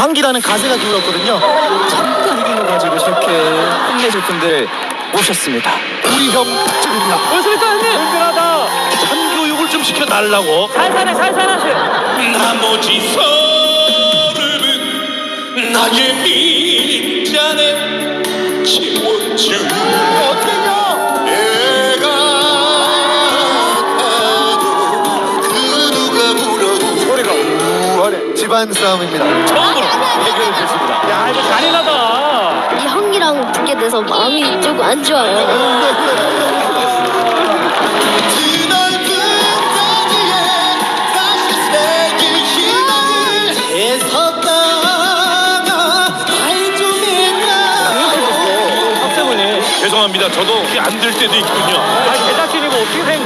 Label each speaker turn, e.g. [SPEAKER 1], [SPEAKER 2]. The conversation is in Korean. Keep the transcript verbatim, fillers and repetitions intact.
[SPEAKER 1] 환기라는 가세가 기울었거든요.
[SPEAKER 2] 잠깐 이기는 가지고 저렇게 끝내줄 분들 오셨습니다.
[SPEAKER 1] 우리 형 특집입니다.
[SPEAKER 3] 그렇습니까 형님?
[SPEAKER 4] 든든하다. 참교육을 좀 시켜달라고.
[SPEAKER 3] 살살해 살살하세요.
[SPEAKER 4] 나머지 서름은 나의 밑잔에 채워줄.
[SPEAKER 1] 어떻게요?
[SPEAKER 4] 내가 가도 그 누가 물어도
[SPEAKER 1] 소리가 우하네. 집안 싸움입니다.
[SPEAKER 4] 처음으로 해결을 했습니다.
[SPEAKER 3] 야 이거 잔인하다.
[SPEAKER 5] 이 형이랑 붙게 돼서 마음이 조금 안 좋아요.
[SPEAKER 4] 드넓은 거리에 다시 새길 희망을 애썼다가 발좀 했나.
[SPEAKER 3] 학생분이
[SPEAKER 4] 죄송합니다. 저도 안 될 때도 있군요.
[SPEAKER 3] 아 제작진이고 어떻게 된